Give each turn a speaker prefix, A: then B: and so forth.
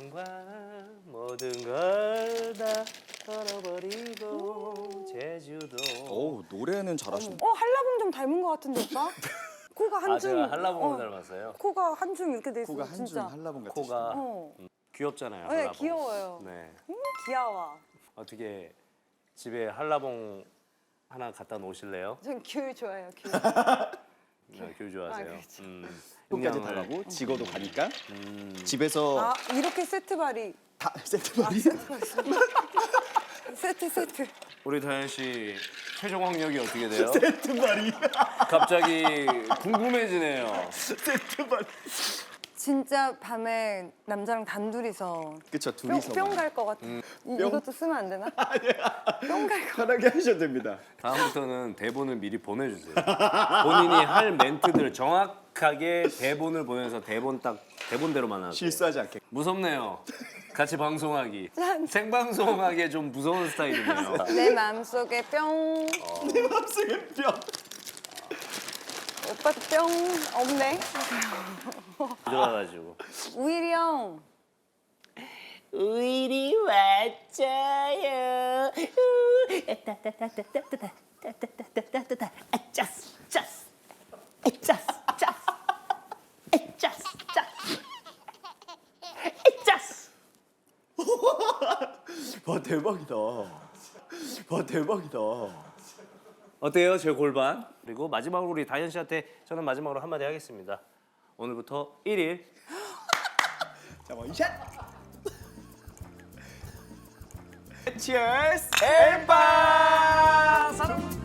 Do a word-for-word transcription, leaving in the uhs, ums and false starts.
A: 사랑과 모든 걸 다 털어버리고 제주도.
B: 오 노래는 잘하시네.
C: 어 한라봉 좀 닮은 것 같은데 오빠? 코가 한
A: 아
C: 줌.
A: 제가 한라봉을
C: 어,
A: 닮았어요.
C: 코가 한 줌 이렇게 돼 있어.
B: 코가 한 줄
C: 진짜.
B: 한라봉 같으시네.
A: 코가
C: 어.
A: 귀엽잖아요.
C: 네,
A: 한라봉.
C: 귀여워요.
A: 네.
C: 음, 귀여워.
A: 어떻게 집에 한라봉 하나 갖다 놓으실래요?
C: 전 귤 좋아해요. 귤.
A: 네, 귤 좋아하세요.
C: 아, 그렇죠.
A: 음.
B: 끝까지
A: 그냥을-
B: 달라고 지거도 가니까
A: 음.
B: 집에서
C: 아 이렇게 세트 발이.
B: 다 세트 말이
C: 세트 세트.
A: 우리 다현 씨 최종 학력이 어떻게 돼요?
B: 세트 말이
A: 갑자기 궁금해지네요.
B: 세트 말이.
C: 진짜 밤에 남자랑 단둘이서
B: 그쵸 둘이서
C: 뿅 갈 것 같아.
A: 음.
C: 이,
B: 뿅?
C: 이것도 쓰면 안 되나? 뿅 갈 것.
B: 편하게 하셔도 됩니다.
A: 다음부터는 대본을 미리 보내주세요. 본인이 할 멘트들 정확하게 대본을 보내서 대본 딱 대본대로만 하세요.
B: 실수하지 않게.
A: 무섭네요. 같이 방송하기.
C: 짠.
A: 생방송하기에 좀 무서운 스타일이네요.
C: 내 마음속에 뿅.
B: 내 맘속에 뼈.
C: 오빠도 뿅 없네.
A: 들어가가지고.
C: 우일이 형.
D: 우일이 왔어요. 따따따따따따따따따따따따따. 아짜스 짜스. 아짜스 짜스. 아짜스 짜스. 아짜스.
B: 와 대박이다. 와 대박이다.
A: 어때요, 제 골반? 그리고 마지막으로 우리 다현 씨한테 저는 마지막으로 한마디 하겠습니다. 오늘부터 일 일
B: 자 원샷. 치얼스. 엠바.